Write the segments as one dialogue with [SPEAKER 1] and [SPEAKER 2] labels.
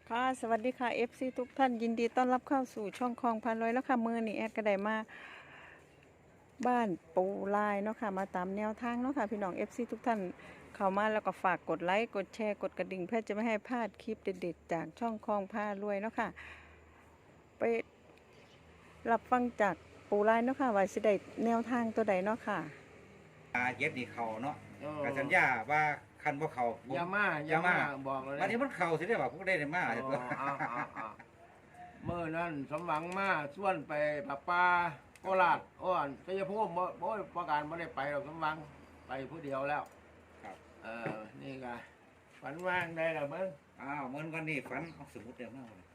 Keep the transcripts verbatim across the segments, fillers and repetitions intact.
[SPEAKER 1] ค่ะสวัสดีค่ะ เอฟ ซี ทุกท่านยินดีต้อนรับเข้าสู่ช่องคลองพันร้อยแล้วค่ะมือนี่แอดก็ได้มาบ้านปูลายเนาะค่ะมาตามแนวทางเนาะค่ะพี่น้อง เอฟ ซี ทุกท่านเข้ามาแล้วก็ฝากกดไลค์กดแชร์กดกระดิ่งเพื่อจะไม่ให้พลาดคลิปเด็ดๆจากช่องคลองพารวยเนาะค่ะไปรับฟังจากปูลายเนาะค่ะว่าสิได้แนวทางตัวใดเนาะค่ะ
[SPEAKER 2] อาเย็บนี่เขาเนาะ
[SPEAKER 3] เออ
[SPEAKER 2] กับสัญญาว่าคันบ่เขาผม
[SPEAKER 3] อย่ามาอย่ามาบอกเลย
[SPEAKER 2] วันนี้มันเขาสิได้ว่าพวกได้ได้มา
[SPEAKER 3] อ๋อเอาเอาเอาเมื่อนั้นสมหวังมาส่วนไปปะปาโคราชอ้อนชัยภูมิบ่บ่ประการไม่ได้ไปหรอกสมหวังไปผู้เดียวแล้ว
[SPEAKER 2] ครับ
[SPEAKER 3] เออนี่ไงฝันว่างได้หรอเบิ้ง
[SPEAKER 2] อ้าวเหมือนวันนี้ฝันเอาสมุดเดียวมาเลย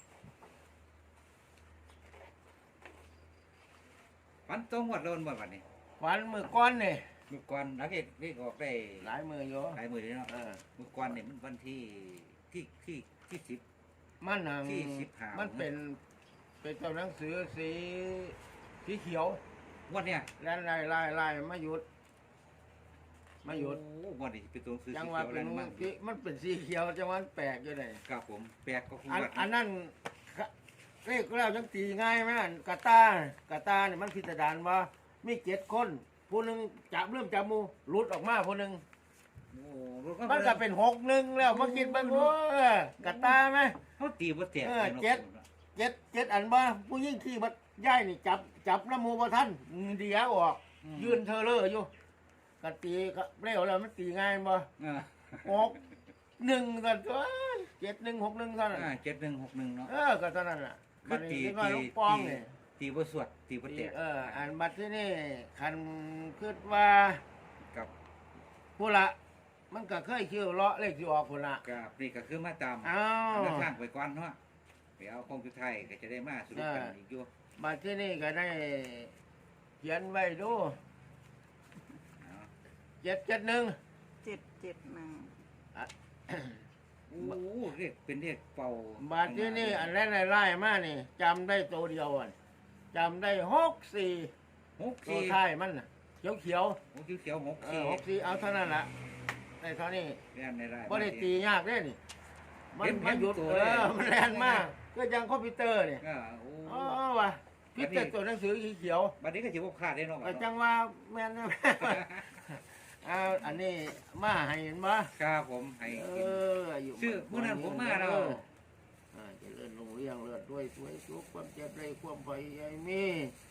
[SPEAKER 2] ฝันตรงวัดโดนบ่วันนี้
[SPEAKER 3] ฝันมือก้อนนี่
[SPEAKER 2] เมื่อก่อนนักเอกนี่ออกได้
[SPEAKER 3] หลายมืออยู่
[SPEAKER 2] หลายมือเลยเนาะ
[SPEAKER 3] เออ
[SPEAKER 2] เมื่อก่อนนี่มันวันที่ที่ที่ที่สิบ
[SPEAKER 3] มันนัง
[SPEAKER 2] ที่สิบห้ามั
[SPEAKER 3] มันเป็นเป็นตัวหนังสือสีสีเขียว
[SPEAKER 2] วันเนี้ย
[SPEAKER 3] แล่นไล่ไล่ไล่มาหยุดมาหยุด
[SPEAKER 2] โอ้วันนี้เป็นตัวหนังสือ
[SPEAKER 3] จัง
[SPEAKER 2] สี
[SPEAKER 3] หวะ
[SPEAKER 2] เขียว
[SPEAKER 3] เป็
[SPEAKER 2] แล้
[SPEAKER 3] น
[SPEAKER 2] วมัน
[SPEAKER 3] มันเป็นสีเขียวจังหวะมันแปลกอยู่ไหน
[SPEAKER 2] ครับผมแปลกก็คง
[SPEAKER 3] อัน
[SPEAKER 2] วัด
[SPEAKER 3] อันนั้นกะเลขแล้วจังตีง่ายไหมอันกาตาร์กาตาร์เนี่ยมันพิจารณาว่ามีเจ็ดคนผู้หนึ่งจับเริ่มจับหมูหลุดออกมาผู้หนึ่ง
[SPEAKER 2] โอ้รถ
[SPEAKER 3] มันก็เป็นหกหนึ่งแล้วมาคิดบ้างว่ากาตาร์ไหม
[SPEAKER 2] เขาตีบ่แตก
[SPEAKER 3] เออ
[SPEAKER 2] ลยนาะ
[SPEAKER 3] เจ็ด เจ็ดเจ็ดอันบ้าผู้ยิ่งขี่บัดย่ายนี่จับจับน้ำหมูบ่ทันเดียวออกยืนเธอเลออยู่กะตีก็เร็วแล้วมันตีง่ายบ่
[SPEAKER 2] เออ
[SPEAKER 3] หกหนึ่งกันก็เจ็ดหนึ่งหกหนึ่งเท่านั้น
[SPEAKER 2] อ่าเจ็ดหนึ่งหกหนึ่งเนาะ
[SPEAKER 3] เออก็เท่านั้นแหละ
[SPEAKER 2] คื
[SPEAKER 3] บั
[SPEAKER 2] อ
[SPEAKER 3] ด
[SPEAKER 2] ตี
[SPEAKER 3] นี้ก็
[SPEAKER 2] ตี
[SPEAKER 3] ลูกปองเนี่ย
[SPEAKER 2] ตีบ่สวดตีบ่แตก
[SPEAKER 3] เอออันบัดที่นี่คันคิดว่า
[SPEAKER 2] กับ
[SPEAKER 3] ผู้ละมันก็เคยคิวเลาะเลขที่ออกผู้ละ
[SPEAKER 2] กับนี่ก็คือมาตาม
[SPEAKER 3] อ้าว
[SPEAKER 2] แนวทางไปก่อนเนาะไปเอาคงสุดท้ายก็จะได้มาสรุปกันอีกอยู่
[SPEAKER 3] บัดที่นี่ก็ได้เขียนไว้ดู
[SPEAKER 2] เอา
[SPEAKER 3] เจ็ดเจ็ดหนึ่ง
[SPEAKER 1] เจ็ดเจ็ดหนึ่ง
[SPEAKER 2] โอ้โหเรียกเป็นเรียกเป่า
[SPEAKER 3] บัดที่นี่อันแรกไล่ๆมานี่จำได้ตัวเดียวอ่ะจำได้หกสี่
[SPEAKER 2] หก
[SPEAKER 3] ตัว
[SPEAKER 2] สี่
[SPEAKER 3] ท้ายมันน่ะเขียวเขียว
[SPEAKER 2] หกเขียวๆหก
[SPEAKER 3] ๆเอ
[SPEAKER 2] สี่
[SPEAKER 3] อหกสี่เอาเท่านั้นละได้เท่านี้
[SPEAKER 2] เรียนในราย
[SPEAKER 3] บ่ได้ตียากเด้นี่มัน
[SPEAKER 2] เห็น
[SPEAKER 3] มาหยุด
[SPEAKER 2] เห็นตัว
[SPEAKER 3] เอ
[SPEAKER 2] เลย
[SPEAKER 3] อมันแรงมากก็ยังคอมพิวเตอร์เนี่ย
[SPEAKER 2] ก็โอ้
[SPEAKER 3] อ๋อว่ะพิเตอร์ตัวหนังสือสีเขียว
[SPEAKER 2] บัดนี้ก็สิบ่ขาดได้เนาะ
[SPEAKER 3] ก็จังว่าแม่นนะ เอาอันนี้มาให้เห็นบ่
[SPEAKER 2] ครับผมให้
[SPEAKER 3] เอ
[SPEAKER 2] กิน
[SPEAKER 3] ออายุ
[SPEAKER 2] ชื่อมื้อนั้นผมมาแล้ว
[SPEAKER 3] อ่าเจริญรุ่งเรืองเลิศด้วยสวยสุขความเจ็บได้ความไฟใหญ่มี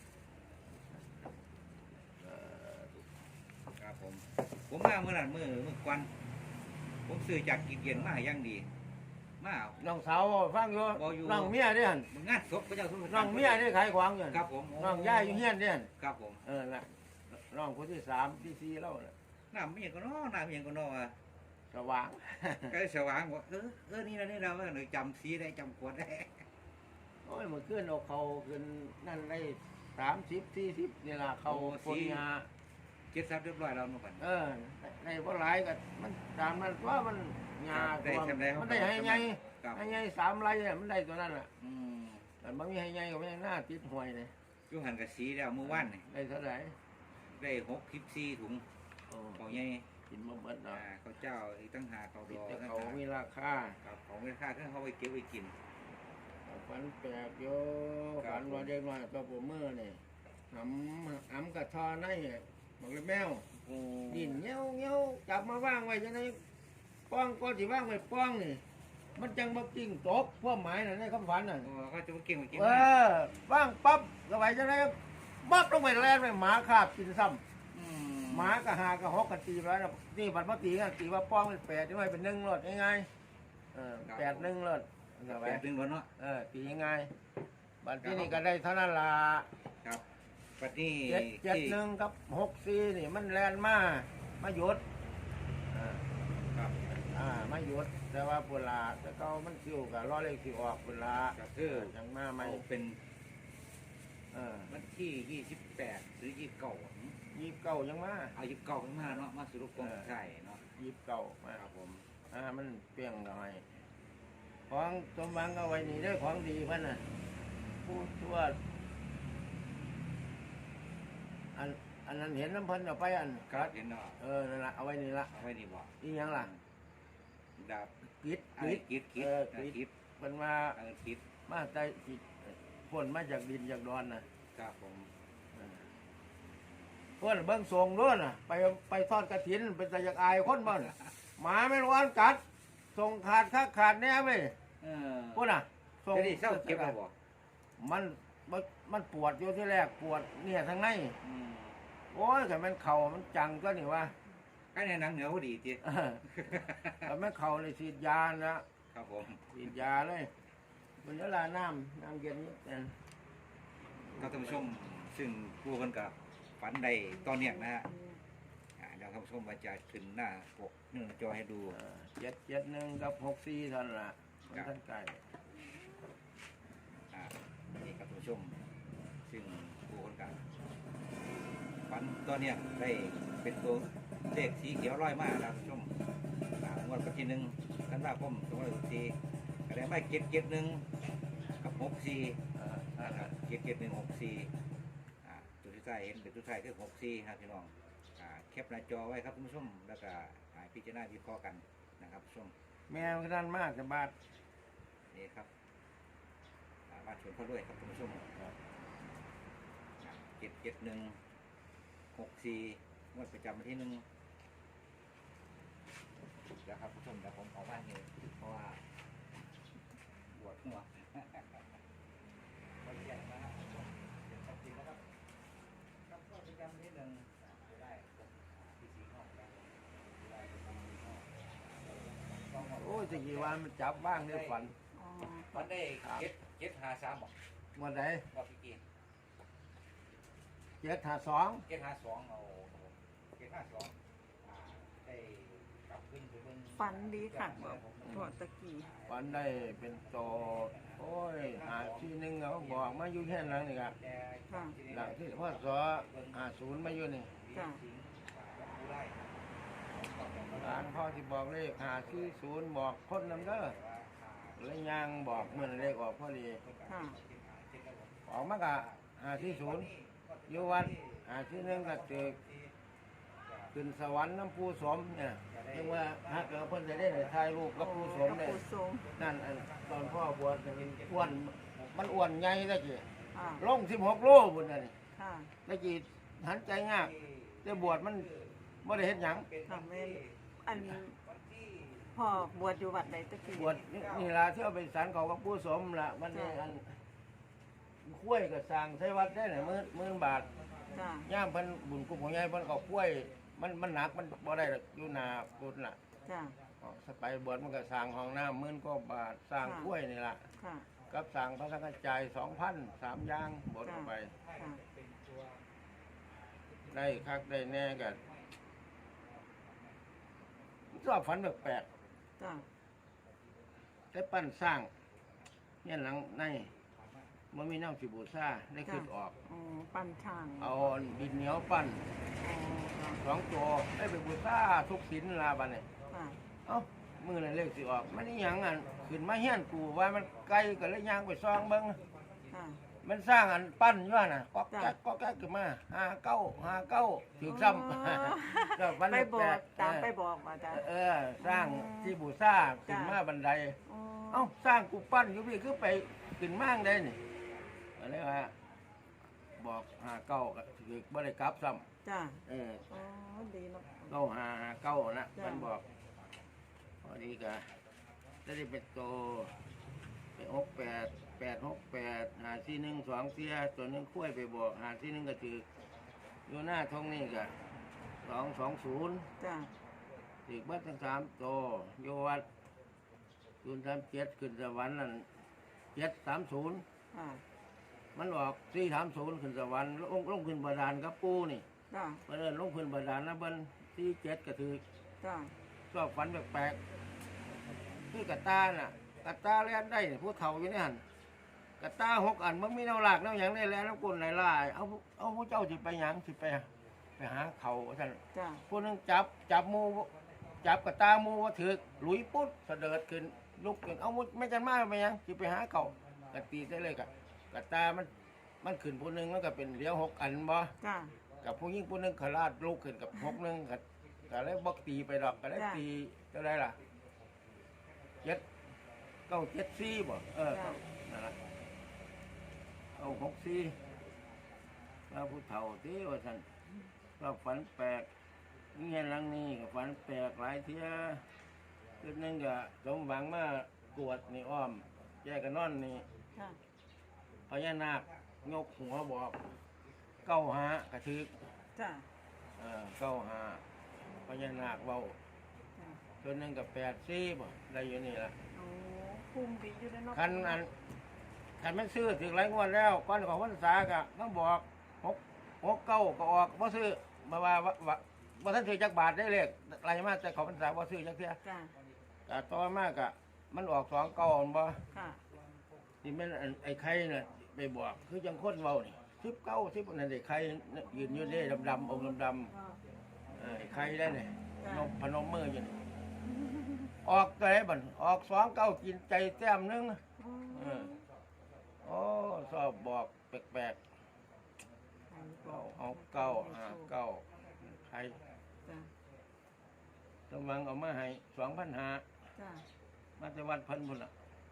[SPEAKER 3] เอ่อ
[SPEAKER 2] ครับผม ผมมาเมื่อนั้นมื้อมื้อก่อนผมซื้อจากกินเย็นมาอย่างดี มาเอา
[SPEAKER 3] น้องสาวฟังอยู่
[SPEAKER 2] บ่อยู่
[SPEAKER 3] น้องเมียเด้หั่น
[SPEAKER 2] มึงงานศพพระเจ้าสุนทร
[SPEAKER 3] น้องเมียนี่ขายของอยู่
[SPEAKER 2] ครับผม
[SPEAKER 3] น้องย่าอยู่เฮียนเด้หั่น
[SPEAKER 2] ครับผม
[SPEAKER 3] เออละน้องคนที่สามที่สี่แล้วน่ะ
[SPEAKER 2] น้ำมีอย่างก็น้อน้ำมีอย่างก็น้ออ่ะ
[SPEAKER 3] สว่าง
[SPEAKER 2] ก็สว่างบอกเออเออนี่นะนี่เราหนูจำสีได้จำขวดได้
[SPEAKER 3] โอ้ยเมื่อคืนเอาเขาขึ้นนั่นได้สามสิบสี่สิบนี่ล่ะเขาคนงา
[SPEAKER 2] เจ็ดซับเรียบร้อยแล้วนู่นก่อน
[SPEAKER 3] เออในบ่หลายก็มันตามนั้นว่ามันงา
[SPEAKER 2] ได้
[SPEAKER 3] ตัว
[SPEAKER 2] ทำได้
[SPEAKER 3] มันได้ให้ไง
[SPEAKER 2] ครับ
[SPEAKER 3] ให้ไงสามไรเนี่ยมันได้ตัวนั้นแหละ
[SPEAKER 2] อืม
[SPEAKER 3] แต่มันมีให้ไงก็ไม่หน้าติดหวยเลย
[SPEAKER 2] อยูหันกับสีแล้วเมื่อวานนี่
[SPEAKER 3] ได้เท่าไหร่
[SPEAKER 2] ได้หกสิบสี่ถุง
[SPEAKER 3] โอ้
[SPEAKER 2] เขาใหญ่
[SPEAKER 3] กินมาเบิด
[SPEAKER 2] อ่า
[SPEAKER 3] เนาะ
[SPEAKER 2] เขาเจ้าอีกตั้งหาเขาด
[SPEAKER 3] ติด
[SPEAKER 2] อ
[SPEAKER 3] แต่
[SPEAKER 2] ตั้ง
[SPEAKER 3] เขา
[SPEAKER 2] หา
[SPEAKER 3] มีราคา
[SPEAKER 2] ครับของไม่ค่าเครื่องเขาไปเก็บไว้กิน
[SPEAKER 3] ฝันแปลกโย
[SPEAKER 2] ครับ
[SPEAKER 3] ฝันว่าเด็กน้อยตัวผมมือนี่หำหำกระทอในบอกเลยแมว
[SPEAKER 2] โอ้
[SPEAKER 3] ดินเงี้ยวเงี้ยวจับมาว่างไว้จะไหนป้องก็สิว่างไว้ป้องนี่ มันจังบ่กิ้งตกพวกหมายน่ะในคำฝันน่ะ
[SPEAKER 2] โอ้เขาจะมาเก่งมากิน
[SPEAKER 3] เออว่างปั๊บก็ไว้จะไหนปั๊บลงไปแล่นไปหมาคาบกินซ้ำ
[SPEAKER 2] อื
[SPEAKER 3] หมากะหากะฮอกกะตีไปแล้วนี่บัดมาตีกันตีว่าป้องเป็นแปดที่ไม่เป็นหนึ่งรถง่ายๆเออแปดหนึ่งรถเอา
[SPEAKER 2] แป
[SPEAKER 3] ไว้
[SPEAKER 2] ดหนึ่งวันเนาะ
[SPEAKER 3] เออตีง่ายบัดที่นี่ก็ได้เท่านั้นละ
[SPEAKER 2] ครับปัดนี้
[SPEAKER 3] เจ็ดเจ็ด
[SPEAKER 2] ที่
[SPEAKER 3] หนึ่งกับหกสี่นี่มันแลนมามาหยุดอ่า
[SPEAKER 2] ครับ
[SPEAKER 3] อ่ามาหยุดแต่ว่าปุลาแต่เขามันคิวกับล้อเลขสิออกปุลา
[SPEAKER 2] ก็คือ
[SPEAKER 3] จังมาไม่
[SPEAKER 2] เอาเป็น
[SPEAKER 3] เออ
[SPEAKER 2] วันที่ยี่สิบแปดหรือยี่สิบเก้า
[SPEAKER 3] ยีบเก่ายังมา
[SPEAKER 2] เอายี่สิบเก้าขึ้นมาเนาะมาสรุปกองไข่เนาะ
[SPEAKER 3] ยีบเก่ามา
[SPEAKER 2] ครับผม
[SPEAKER 3] อ่ามันเปรี้ยงหน่อยของสมหวังเอาไว้นี่ได้ของดีพันน่ะผู้ช่วยอันอันนั้นเห็นน้ำเพันเอาไปอัน
[SPEAKER 2] ครับเห็นเนาะ
[SPEAKER 3] เออนั่นละเอาไว้นี่ละ
[SPEAKER 2] เอาไว้ดีบ่
[SPEAKER 3] อีหยังล่ะ
[SPEAKER 2] ดาบ
[SPEAKER 3] กิด
[SPEAKER 2] อะไร
[SPEAKER 3] กิด
[SPEAKER 2] กิดกิด
[SPEAKER 3] เออ
[SPEAKER 2] กิ
[SPEAKER 3] กิด
[SPEAKER 2] ด
[SPEAKER 3] เป็นมา
[SPEAKER 2] ทางทิศ
[SPEAKER 3] มาใต้จิตพ่นมาจากดินจากดอนนะครับ
[SPEAKER 2] ผม
[SPEAKER 3] พ่นเบิ้งทรงด้วยน่ะไปไปทอดกระถินเป็นตะยักอายคนบ้านหมาไม่ร้อนกัดทรงขาดค่าขาดแน่ไหม
[SPEAKER 2] เออ
[SPEAKER 3] พ่นอ่ะทรง
[SPEAKER 2] จะได้เศร้าเก็บแล้วบ่
[SPEAKER 3] มันมันมันปวดอยู่ที่แรกปวดเนี่ยทางใน
[SPEAKER 2] อืม
[SPEAKER 3] โอ้ยแต่มันเข่ามันจังก็นี่ว่า
[SPEAKER 2] ใกล้ในหนังเหนือพอดีจี
[SPEAKER 3] เออแต่มันเข่าเลยฉีดยานะครับ
[SPEAKER 2] ผม
[SPEAKER 3] ฉีดยาเลยมันเวลาน้ำน้ำเย็นนิดนึง
[SPEAKER 2] ครับท่านผู้ชมซึ่งผู้คนกับฝันใดตอนเนี้ยนะฮะอ่าเดี๋ยวท่านผู้ชมว่าจะขึ้นหน้าปกหนึ่งจอให้ดู
[SPEAKER 3] เออเจ็ดเจ็ดหนึ่งกับหกสี่เท่านั้นละมันท่านไก่
[SPEAKER 2] อ่านี่ครับท่านผู้ชมซึ่งผู้คนกับฝันตอนเนี้ยได้เป็นตัวเลขสีเขียวร้อยมากนะครับท่านผู้ชมอ่างวดกับที่หนึ่งท่านว่าผมสองร้อยหกสี่ก็ได้ไม่เจ็ดเจ็ดหนึ่งกับหกสี่
[SPEAKER 3] เออนั่น
[SPEAKER 2] นะค
[SPEAKER 3] ล่ะ
[SPEAKER 2] รับเจ็ดเจ็ดหนึ่งหกสี่อ่าตัวที่ใต้เห็นเป็นตัวใต้คือหกสี่ครับพี่น้องอ่าแคปหน้าจอไว้ครับท่านผู้ชมแล้วก็อ่าพิจารณาวิเคราะห์กันนะครับผู้ชม
[SPEAKER 3] แม่มันก็นั่นมากแต่บาด
[SPEAKER 2] นี่ครับอ่ามาชวนเขาด้วยครับท่านผู้ชมเจ็ดเจ็ดหนึ่งหกสี่งวดประจำวันที่หนึ่งเดี๋ยวครับผู้ชมเดี๋ยวผมขอบ้านนี้เพราะว่าปวดหัว คนแก่นะครับผู้ชมเดี๋ยวจริงนะครับ ครับก็ประจำที่หนึ่งจะได้ที่สี่ห้องแล้วได้ที่สี่ห้องต้องมา
[SPEAKER 3] โอ้ยจะกี่วันมันจับบ้างเนี่ยฝัน
[SPEAKER 1] อ๋อ
[SPEAKER 2] วันได้เจ็ดเจ็ดหาสามบอก
[SPEAKER 3] วันไหน
[SPEAKER 2] ว่าพี่กีน
[SPEAKER 3] เจ็ดหาสอง
[SPEAKER 2] เจ็ดหาสองเอาเจ็ดห้าสองอ่าได้กลับขึ้นไปเบิ่ง
[SPEAKER 1] ฝันดีค่ะบอกพอตะกี้
[SPEAKER 3] วันได้เป็นโตโอ้ยหาที่หนึ่งเขาบอกมาอยู่แค่นั้นนี่ครับ
[SPEAKER 2] แต่
[SPEAKER 1] ค่ะ
[SPEAKER 3] หลังที่พ่อสอหาศูนย์มาอยู่นี่
[SPEAKER 1] จ้ะ
[SPEAKER 2] ผู้ไล่
[SPEAKER 3] หลานพ่อที่บอกเลขหาที่ศูนย์บอกคนนำเด้อแล้วยังบอกเมื่อเลขออกพอดี
[SPEAKER 1] ค่ะ
[SPEAKER 3] ออกมากะหาที่ศูนย์อยู่วัดหาที่หนึ่งก็เจอขึ้นสวรรค์น้ำปูสมเนี่ยเรียกว่าหากเกิดเพิ่นจะได้ในถ่ายรูปกับปูสมเนี่ย
[SPEAKER 1] กับปูสม
[SPEAKER 3] นั่นอันตอนพ่อบวชมันอ้วนมันอ้วนใหญ่ตะกี้
[SPEAKER 1] ค่ะ
[SPEAKER 3] ลงสิบหกโลบุญน่ะนี่
[SPEAKER 1] ค่ะ
[SPEAKER 3] ตะกี้หันใจงากแต่บวชมันไม่ได้เฮ็ดหยัง
[SPEAKER 1] ค่ะแม่นอันพ่อบวชอยู่วัดใดตะกี้
[SPEAKER 3] บวชนี่นี่ล่ะที่เอาไปสารเขากับปูสมล่ะมันนี่อันคุ้วยกับสร้างใช้วัดได้หน่อยมื่นมื่นบาท
[SPEAKER 1] จ้ะ
[SPEAKER 3] ย่ามเพิ่นบุญกุมของยายเพิ่นก็คุ้วยมันมันหนักมันบ่ได้หรอกอยู่หน้าปุนล่ะ
[SPEAKER 1] จ้ะ
[SPEAKER 3] อ๋อสไปบวชมันก็สร้างห้องน้ำหมื่นกว่าบาทสร้างคุ้วยนี่ล่ะ
[SPEAKER 1] ค่ะ
[SPEAKER 3] กับสร้างพระสังฆจายสองพันสามอย่างบวชเข้าไป
[SPEAKER 1] ค่ะ
[SPEAKER 3] ได้คักได้แน่กันชอบฝันแปลก
[SPEAKER 1] จ้ะ
[SPEAKER 3] ๆได้ปั้นสร้างเนี่ยหลังในมันมีน้ำสิบูซ่าได้ขึ้นออก
[SPEAKER 1] อ๋อปั้นช่าง
[SPEAKER 3] เอาดินเหนียวปั้น
[SPEAKER 1] อ๋อค่ะ
[SPEAKER 3] สองตัวได้ไปบูซ่าทุกสินลาบันเนี่ย
[SPEAKER 1] ค่ะ
[SPEAKER 3] เอ้ามือนั่นเลขสิออกมันนี่ยังอันขึ้นมาเฮี้ยนกูว่ามันไกลก็เลยย่างไปซองเบิ้ง
[SPEAKER 1] ค่ะ
[SPEAKER 3] มันสร้างอันปั้นอยู่ว่าน่ะก็
[SPEAKER 1] จ้ะ
[SPEAKER 3] แก๊กก็แก๊กขึ้นมาหาเก้าหาเก้าถึงซ้ำ
[SPEAKER 1] อ๋อ
[SPEAKER 3] แล้วฝัน
[SPEAKER 1] ไปบ
[SPEAKER 3] แปล
[SPEAKER 1] อก
[SPEAKER 3] กๆ
[SPEAKER 1] ตามไป
[SPEAKER 3] เออ
[SPEAKER 1] บอกว่าจ้ะ
[SPEAKER 3] เออสร้างที่บูซ่าขึ้น
[SPEAKER 1] จ้ะ
[SPEAKER 3] มาบันได
[SPEAKER 1] อ๋อ
[SPEAKER 3] เอ้าสร้างกูปั้นอยู่พี่คือไปขึ้นมางได้นี่อะไรวะบอกหาเก้าก็ถือบ่ได้กลับซ้
[SPEAKER 1] จ้ะ
[SPEAKER 3] ำเออ
[SPEAKER 1] อ๋อดีเนาะ
[SPEAKER 3] เก้าหาหาเก้านะ
[SPEAKER 1] จ้ะ
[SPEAKER 3] มันบอกพอดีก็จะได้เป็นโตไปหกแปดแปดหกแปดหาที่หนึ่งสองเสียตัวหนึงคุ้ยไปบอกหาที่หนึ่งก็ถืออยู่หน้าท้องนี่ก็สองสองศูนย์
[SPEAKER 1] จ้ะ
[SPEAKER 3] ถือเบัดทั้งสามโตโยวัดศูนย์สามเจ็ดขึ้นสวรรค์นั่นเจ็ดสามศูนย์
[SPEAKER 1] ค่ะ
[SPEAKER 3] มันออกสี่สามศูนย์ขึ้นสวรรค์ลงลงขึ้นบาดาลกับปูนี่
[SPEAKER 1] จ้ะ
[SPEAKER 3] มาเดินลงขึ้นบาดาลนะเบิ้นสี่เจ็ดก็ถือ
[SPEAKER 1] จ้ะ
[SPEAKER 3] ชอบฝันแปลกๆคือกระตาน่ะกระตาแล่นได้นี่ผู้เฒ่าอยู่นี่หันกระตาหกอันมันมีแนวหลากแนวหยังได้แล้วน้ำกุนไหลลายเอาเอาผู้เจ้าสิไปหยังสิไปไปหาเขาท่าน
[SPEAKER 1] จ้ะ
[SPEAKER 3] ผู้หนึงจับจับหมูจับกระตาหมูว่าถือหลุยปุ๊ดเสด็จขึ้นลุกขึ้นเอามุไม่จันมาไปหยังสิไปหาเขากระตีได้เลยกะกระตามันมันขึ้นผู้หนึงแล้วก็เป็นเหลี้ยวหกอันบ่
[SPEAKER 1] จ้ะ
[SPEAKER 3] กับผู้หญิงผู้หนึงขลาดลุกขึ้นกับหกหนึงก็ก็เลยบอกตีไปดอกก็เลย
[SPEAKER 1] จ้ะ
[SPEAKER 3] ตีก็ได้ล่ะเจ็ดเก้าเจ็ดสี่บ่เออ
[SPEAKER 1] จ้ะ
[SPEAKER 3] นั่นละเก้าหกสี่แล้วผู้เฒ่าที่ว่าสันก็ฝันแปลกเงี้ยหลังนี้ก็ฝันแปลกหลายเที่ยจุดหนึงก็สมหวังมากวดนี่อ้อมแยกกันนอนนี่
[SPEAKER 1] ค่ะ
[SPEAKER 3] พญานาคยกหัวบอกเก้าหากระทึก
[SPEAKER 1] จ้ะ
[SPEAKER 3] เออเก้าหาพญานาคเบา
[SPEAKER 1] จ้ะ
[SPEAKER 3] ตัวหนึงกับแปดสี่บ่ได้อยู่นี่ละ
[SPEAKER 1] โอ้คุมดีอยู่ในนอก
[SPEAKER 3] คันอันคันไม่ซื้อถึงหลายงวดแล้วก้อนของพรรษากะต้องบอกหกหกเก้าก็ออกบ่ซื้อมาว่าว่าว่าบ่ทันถือจักบาทได้เลขไรมาแต่ของพรรษาบ่ซื้อจักเที่ย
[SPEAKER 1] จ้ะ
[SPEAKER 3] แต่ต่อมากะมันออกสองเก้าบ่
[SPEAKER 1] ค่ะ
[SPEAKER 3] ที่แม่นอันไอ้ไข่น่ะไปบอกคือจังคนเว้านี่สิบเก้าสิบนั่นไอ้ไข่ยืนอยู่เด้ดำๆองค์ดำๆ
[SPEAKER 1] ก็
[SPEAKER 3] เออไอ้ไข่ได้เนี่ย
[SPEAKER 1] จ้ะ
[SPEAKER 3] นกพนมมืออยู่นี่ออกตัวไหนบันออกสองเก้ากินใจแต้มหนึง
[SPEAKER 1] อืม
[SPEAKER 3] เออโอ้ชอบบอกแปลกๆเอาเอาเก้าอ่าเก้าไข่
[SPEAKER 1] จ้ะ
[SPEAKER 3] ตำวังเอามาให้สองพันหา
[SPEAKER 1] จ้ะ
[SPEAKER 3] มาแต่วัดพันบุญละ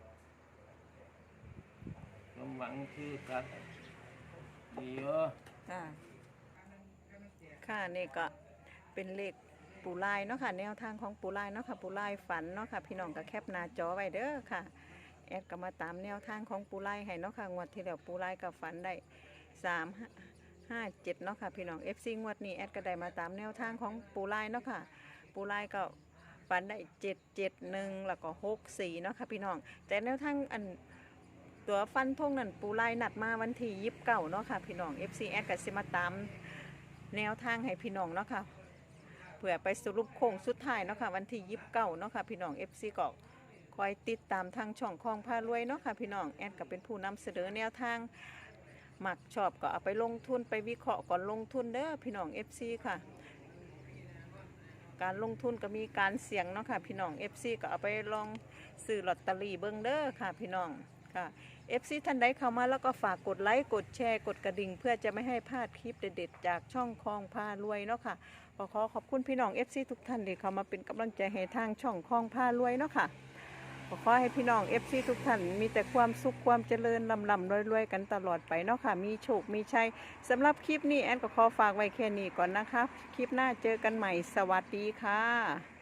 [SPEAKER 3] ตำวังคือกัดดีเออ
[SPEAKER 1] จ้ะค่ะนี่ก็เป็นเลขปูลายเนาะค่ะแนวทางของปูลายเนาะค่ะปูลายฝันเนาะค่ะพี่น้องก็แคปหน้าจอไว้เด้อค่ะแอดก็มาตามแนวทางของปูลายให้เนาะค่ะงวดที่แล้วปูลายก็ฝันได้สามห้าเจ็ดเนาะค่ะพี่น้อง เอฟ ซี งวดนี้แอดก็ได้มาตามแนวทางของปูลายเนาะค่ะปูลายก็ฝันได้เจ็ดเจ็ดหนึ่งแล้วก็หกสี่เนาะค่ะพี่น้องแต่แนวทางอันตัวฟันทงนั่นปูลายนัดมาวันที่ยิบเก่าเนาะค่ะพี่น้อง เอฟ ซี แอดก็สิมาตามแนวทางให้พี่น้องเนาะค่ะเพื่อไปสรุปโค้งสุดท้ายเนาะค่ะวันที่ยิบเก่าเนาะค่ะพี่น้อง เอฟ ซี ก็คอยติดตามทางช่องคลองพารวยเนาะค่ะพี่น้องแอดก็เป็นผู้นำเสนอแนวทางหมักชอบก็เอาไปลงทุนไปวิเคราะห์ก่อนลงทุนเด้อพี่น้อง เอฟ ซี ค่ะ การลงทุนก็มีการเสี่ยงเนาะค่ะพี่น้อง เอฟ ซี ก็เอาไปลองซื้อลอตเตอรี่เบิ่งเด้อค่ะพี่น้องค่ะ เอฟ ซี ท่านใดเข้ามาแล้วก็ฝากกดไลค์กดแชร์กดกระดิ่งเพื่อจะไม่ให้พลาดคลิปเด็ดๆจากช่องคลองพารวยเนาะค่ะขอขอขอบคุณพี่น้อง เอฟ ซี ทุกท่านที่เข้ามาเป็นกำลังใจให้ทางช่องคลองพารวยเนาะค่ะขอขอให้พี่น้อง เอฟ ซี ทุกท่านมีแต่ความสุขความเจริญลำลำรวยๆกันตลอดไปเนาะค่ะมีโชคมีชัยสำหรับคลิปนี้แอนก็ขอฝากไว้แค่นี้ก่อนนะคะคลิปหน้าเจอกันใหม่สวัสดีค่ะ